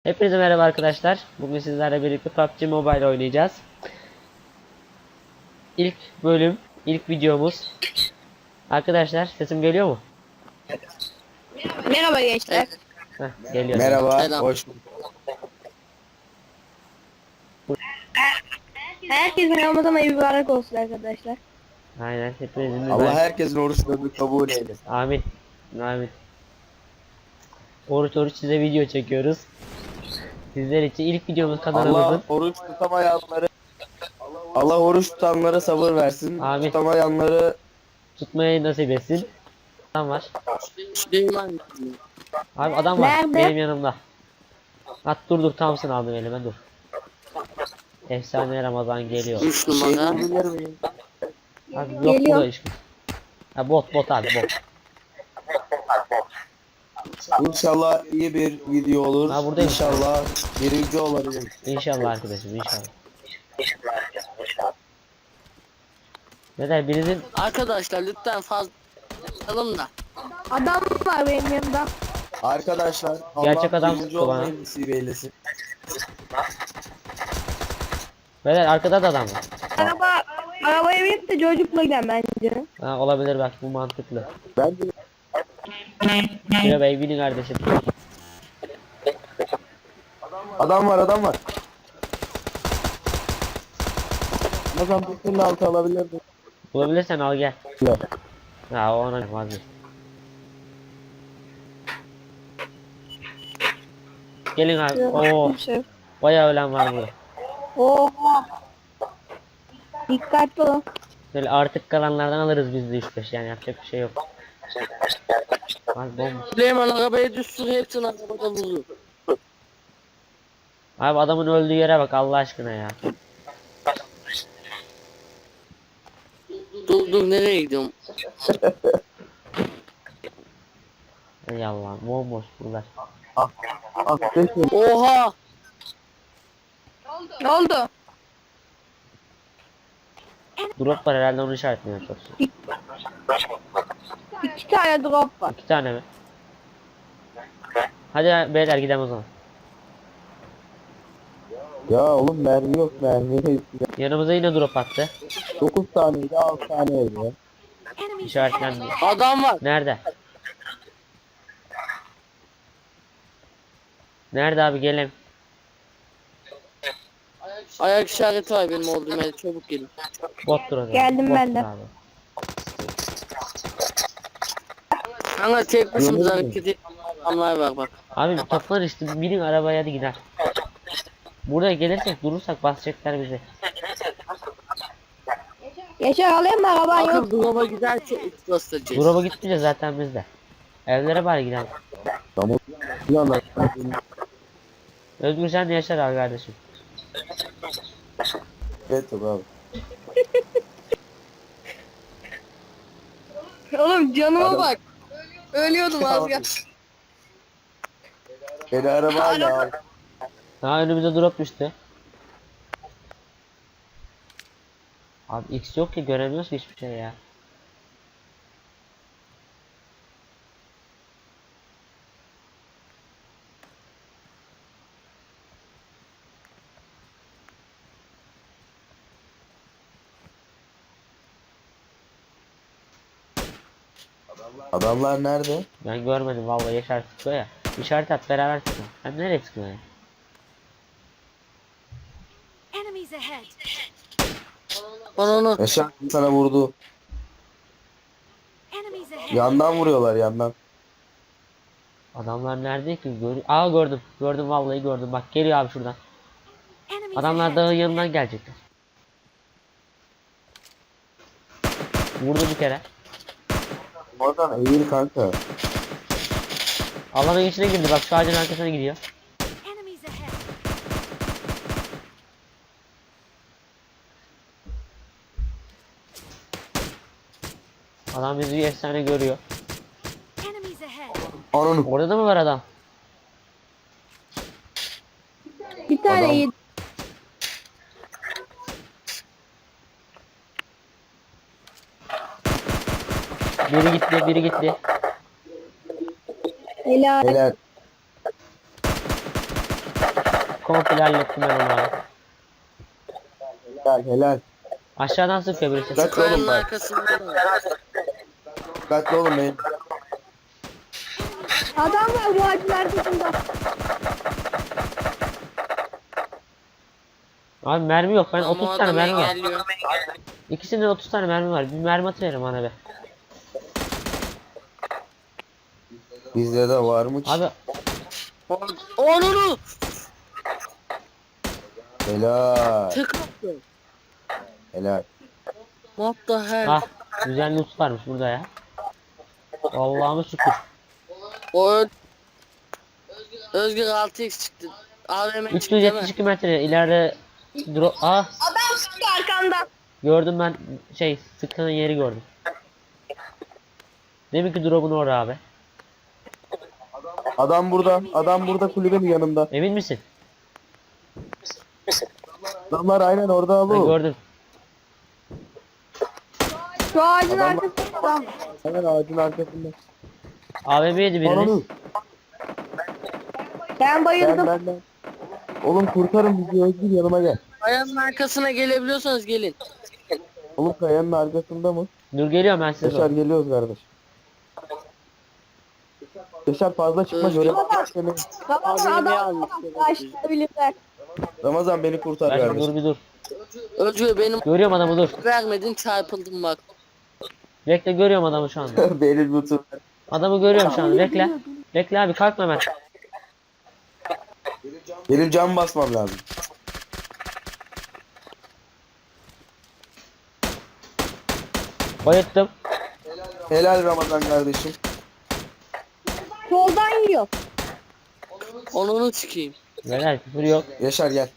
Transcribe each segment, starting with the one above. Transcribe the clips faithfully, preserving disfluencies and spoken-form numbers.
Hepinize merhaba arkadaşlar. Bugün sizlerle birlikte P U B G Mobile oynayacağız. İlk bölüm, ilk videomuz. Arkadaşlar sesim geliyor mu? Merhaba gençler. Heh, geliyor. Merhaba, Selam. hoş bulduk. Herkesin Ramazan ayı mübarek olsun arkadaşlar. Aynen, hepinizin Allah mübarek- herkesin oruçlarını kabul eylesin. Amin. Amin. Oruç oruç size video çekiyoruz. Sizler için ilk videomuz kanalımızın. Allah oruç tutamayanları Allah oruç tutanlara sabır versin. Amin. Tutamayanları Tutmayı nasip etsin. Adam var. Süleyman. Abi adam var Nerede? benim yanımda. At dur dur Thompson aldım elime dur. Efsane Ramazan geliyor. üç şey numara. bilir miyim? Abi yok Geliyor. burada iş. Ha bot bot abi bot. İnşallah iyi bir video olur. Ha, buradayım. İnşallah birinci olabilirim. İnşallah arkadaşım inşallah. Neden birinizin Arkadaşlar lütfen fazla alın da. Adam var benim yanımda. Arkadaşlar Allah Gerçek adam birinci tuttu bana. olmayı nasip eylesin. Beyler arkada da adam var. Araba, arabaya binip de çocukla giden bence. Ha, olabilir bak bu mantıklı. Ben de Şuraya bey binin kardeşim. adam var adam var. Ramazan bir türlü altı alabilirdim. Bulabilirsen al gel. Yok. Ha o ona vazgeç. Gelin abi. Oo, Şey. bayağı ölen var burada. Oha. Dikkatli olun. Böyle artık kalanlardan alırız biz de üç beş yani yapacak bir şey yok. Abi bomba. Süleyman arabaya düşsün hepsini arabada vurur. Abi adamın öldüğü yere bak Allah aşkına ya. Dur dur nereye gidiyorum? Ey Allah'ım bomboş buralar. Affedin. Oha! Ne oldu? Drop var herhalde onu işaretliyor çok. İki tane drop var. İki tane mi? Hadi beyler gidelim o zaman. Ya oğlum mermi yok mermi. Yanımıza yine drop attı. dokuz taneydi altı taneydi ya. İşaretlendi. Adam var. Nerede? Nerede abi gelin. Ayak işareti var benim olduğum yerde çabuk gelin. Bottur o zaman. Geldim Bottur ben de. abi. Kanka tek başımıza Gördün mü? hareket eden adamlar var bak. Abi toplar işte binin arabaya hadi gider. Buraya gelirsek durursak basacaklar bizi. Yaşar alayım mı araban yok. Bakın dolaba giderse üç basacağız. Drop'a gittince zaten bizde. Evlere bari gidelim. Tamam. Bir anda. Özgür sen de yaşar abi kardeşim. Evet abi. Oğlum canıma Adam- bak. Ölüyordum az ya. Beni arabayla al. Ha önümüze drop düştü. Abi X yok ki göremiyoruz ki hiçbir şey ya. Adamlar nerede? Ben görmedim vallahi Yaşar sıkıyor ya. İşaret at beraber sıkın. Sen nereye sıkıyorsun ya? Enemies ahead. Onu onu. Yaşar sana vurdu. Enemies ahead. Yandan vuruyorlar yandan. Adamlar nerede ki? Gör Aa gördüm. Gördüm vallahi gördüm. Bak geliyor abi şuradan. Enemies Adamlar ahead. dağın yanından gelecekler. Vurdu bir kere. Oradan eğil kanka. Alanın içine girdi bak şu ağacın arkasına gidiyor. Enemies ahead. Adam bizi bir efsane görüyor. Enemies ahead. Onun Orada da mı var adam? Bir tane Adam- yedi. Biri gitti, biri gitti. Helal. helal. komple hallettim ben onu abi. Helal helal. Aşağıdan sıkıyor birisi. Dikkatli Kayanın olun bak. arkasında da var. Dikkatli olun benim. Adam var bu ağacın arkasında. Abi mermi yok. Ben Ama otuz tane adam mermi var. engelliyor. İkisinde otuz tane mermi var. Bir mermi atıverin bana be. Bizde de var mı ki? Abi Onunu Helal. tık attı. Helal. What the hell? ah güzel loot varmış burada ya. Allah'ıma şükür. O ö- Özgür altı x çıktı. A V M çıktı değil mi? üç yüz yetmiş iki metre ileride drop. Ah Adam sıktı arkandan. gördüm ben şey sıkılan yeri gördüm. Demek ki drop'un orada abi. Adam burada. Adam burada kulübenin yanında. Emin misin? Adamlar aynen orada Ben alı. gördüm. Şu ağacın Adam- arkasında adam. Aynen ağacın arkasında. A V M'ydi Ananı. biriniz. Ben Ben bayıldım. ben ben. Oğlum kurtarın bizi Özgür yanıma gel. Kayanın arkasına gelebiliyorsanız gelin. Oğlum kayanın arkasında mı? Dur geliyorum ben size Yaşar doğru. geliyoruz kardeş. Yaşar fazla çıkma Özgür. göre seni. Baba A V M'yi adam almış. başlayabilirler. Ramazan beni kurtar Ben kardeş. dur bir dur. Özgür benim Görüyorum adamı dur. vermedin çarpıldım bak. Bekle görüyorum adamı şu anda. Benim lütfen. Adamı görüyorum şu anda. Bekle. Bekle abi kalkma hemen. Benim cam basmam lazım. Bayıttım. Helal Ramazan kardeşim. Soldan yiyor. Onunu çıkayım. Neler küfür yok. Yaşar gel.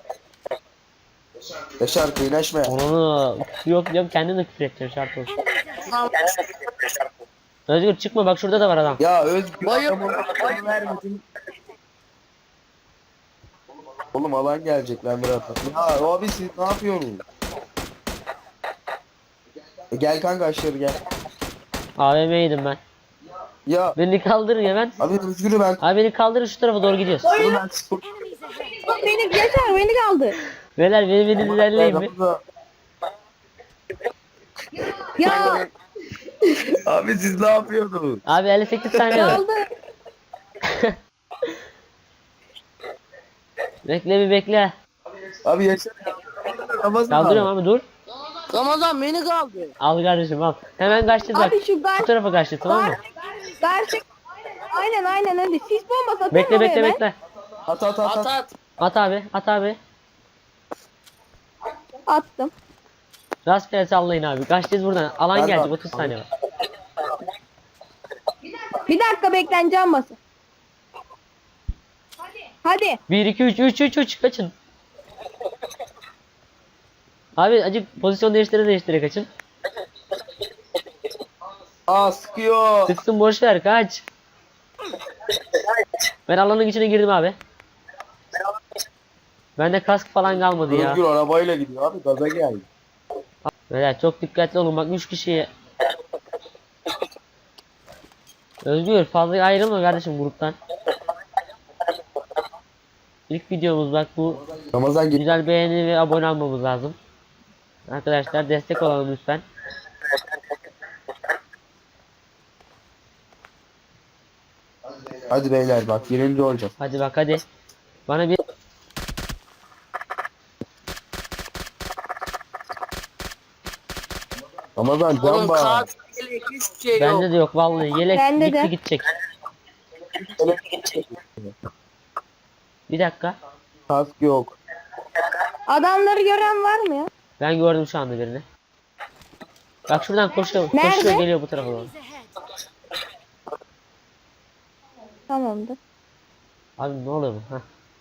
Yaşar kıynaşma ya. Onu küfür yok diyorum kendim de küfür edeceğim şart olsun. Enemies ahead. Özgür çıkma bak şurada da var adam. Ya Özgür Bayıl- adamın adamı vermedin. Oğlum alan gelecek lan biraz. Ya abi siz ne yapıyorsunuz? E, gel kanka aşağı gel. A V M'ydim ben. Ya Beni kaldırın ya ben. abi Özgür'ü ben. Abi beni kaldırın şu tarafa doğru gidiyoruz. Oğlum ben spor. Enemies ahead. Bak beni geçer beni kaldı. Beyler beni beni ilerleyin mi? Ramazan- Ya Abi siz ne yapıyorsunuz? Abi elli sekiz saniye var. kaldı. Bekle bir bekle. Abi Yaşar. Ramazan Kaldırıyorum abi. abi dur. Ramazan beni kaldı. Al kardeşim al. Hemen kaçtı bak. Abi şu gar Şu tarafa kaçtı tamam mı? gerçek. Aynen aynen hadi. Sis bombası atın Bekle oraya bekle ben. bekle. At at at At at. at. At abi at abi. Attım. Rastgele sallayın abi. Kaçtınız buradan. Alan Ben de gelecek attım. otuz saniye var. Bir dakika bekleneceğim basın. Hadi. bir iki üç üç üç üç kaçın. Abi acık pozisyon değiştire değiştire kaçın. Aa sıkıyor. Sıksın boş ver kaç. Ben alanın içine girdim abi. Bende kask falan kalmadı ya. Özgür arabayla gidiyor abi gaza geldi. Beyler çok dikkatli olun bak üç kişiye. Özgür fazla ayrılma kardeşim gruptan. İlk videomuz bak bu. Ramazan git. Güzel beğeni ve abone olmamız lazım. Arkadaşlar destek olalım lütfen. Hadi beyler bak birinci olacağız. Hadi bak hadi. Bana bir Ramazan Onun can bağır. kağıt yelek hiçbir şey yok. bende de yok vallahi yelek Bende gitti de. gidecek. Bir dakika. Kask yok. Adamları gören var mı ya? Ben gördüm şu anda birini. Bak şuradan koşuyor, Nerede? koşuyor geliyor bu tarafa doğru. Enemies ahead. Tamamdır. Abi ne oluyor bu? Heh.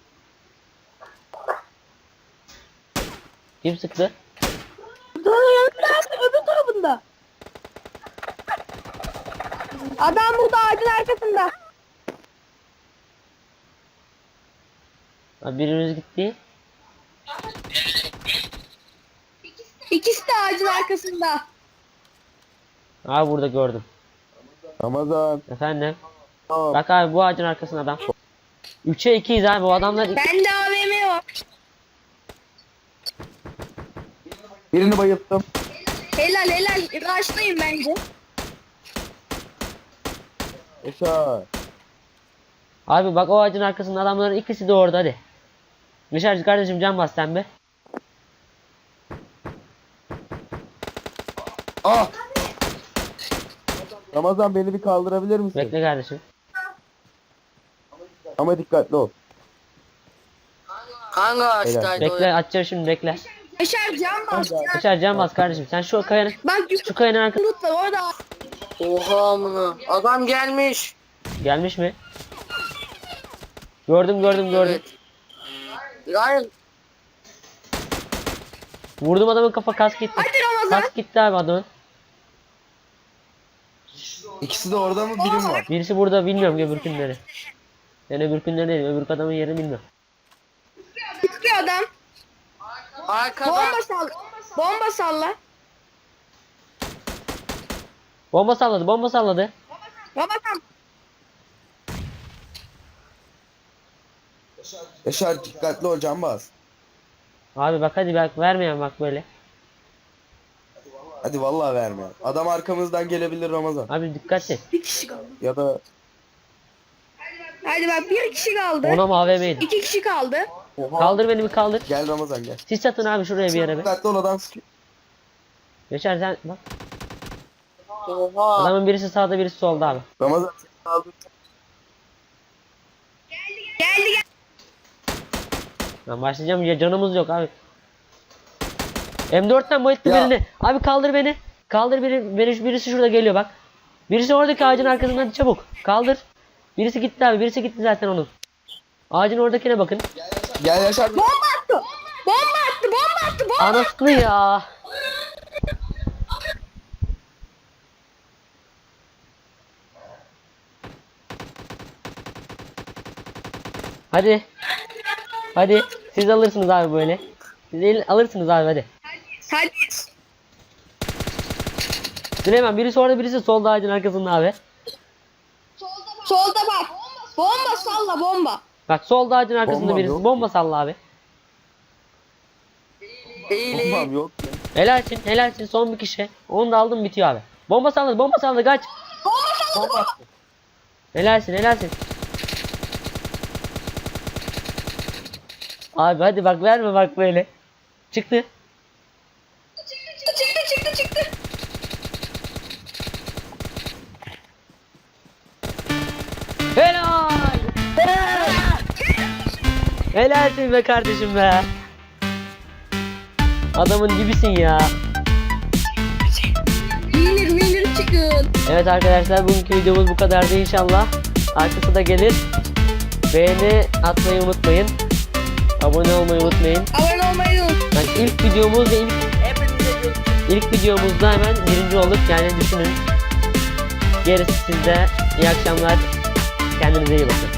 Kim sıktı? Daha yanında öbür tarafında. Adam burada ağacın arkasında. Abi birimiz gitti. İkisi de ağacın arkasında. Abi burada gördüm. Ramazan. Efendim. Tamam. Bak abi bu ağacın arkasında adam. üçe ikiyiz abi bu adamlar. Ben de A V var. Birini bayılttım. Helal helal. Raşlayın bence. Yaşar. Abi bak o ağacın arkasında adamların ikisi de orada hadi. Yaşar kardeşim can bas sen be. Ah! Ramazan beni bir kaldırabilir misin? Bekle kardeşim. Ama dikkatli ol. Hangi ağaçtaydı o? Bekle açacağım şimdi bekle. Yaşar can bas. Yaşar can bas kardeşim sen şu kayanın Bak şu kayanın arkasında yumruk var orada. Oha amına. Adam gelmiş. gelmiş mi? Gördüm gördüm gördüm. Evet. Hayır. Vurdum adamın kafa kask gitti. Hadi Ramazan. Kask gitti abi adamın. İkisi de orada mı birim var? Birisi burada bilmiyorum öbürkünleri. Ben öbürkünleri değil öbür adamın yerini bilmiyorum. Çıkıyor adam. Arkada. Bomba sal. Bomba salla. Bomba salladı bomba salladı. Ramazan. Yaşar dikkatli ol can bas. Abi bak hadi bak vermeyen bak böyle. Hadi vallahi verme. Adam arkamızdan gelebilir Ramazan. Abi dikkat et. Bir kişi kaldı. Ya da Hadi bak bir kişi kaldı. Ona mı A V M'ydi? İki kişi kaldı. Oha. Kaldır beni bir kaldır. Gel Ramazan gel. Sis atın abi şuraya bir yere be. Dikkatli ol adam sıkıyor. Yaşar sen bak. Oha. Adamın birisi sağda birisi solda abi. Ramazan seni aldım. Geldi geldi. Ben başlayacağım ya canımız yok abi. M dörtten bayılttı Ya. birini. Abi kaldır beni. Kaldır beni. Beni birisi şurada geliyor bak. Birisi oradaki ağacın arkasından çabuk. Kaldır. Birisi gitti abi. Birisi gitti zaten onun. Ağacın oradakine bakın. Gel Yaşar. Bomba attı. Bomba attı. Bomba attı. Bomba. Anasını ya. Hadi. Hadi. Siz alırsınız abi böyle. Siz el- alırsınız abi hadi. Hadi. Süleyman birisi orada birisi solda ağacın arkasında abi. Solda bak. Bomba salla bomba. Bak solda ağacın arkasında Bombam birisi. yok. Bomba salla abi. İyi iyi. Bombam yok. Helalsin helalsin son bir kişi. Onu da aldım bitiyor abi. Bomba salladı bomba salladı kaç. Bomba attı. Helalsin helalsin. Abi hadi bak verme bak böyle. Çıktı. Çıktı çıktı çıktı. Helal. Helalsin be kardeşim be. Adamın dibisin ya. Winner winner çıkın. Evet arkadaşlar bugünkü videomuz bu kadardı inşallah. Arkası da gelir. Beğeni atmayı unutmayın. Abone olmayı unutmayın. Abone olmayı unutmayın. Yani ilk videomuz ve ilk, Hepinize görüşürüz. ilk videomuzda hemen birinci olduk yani düşünün. Gerisi sizde. İyi akşamlar. Kendinize iyi bakın.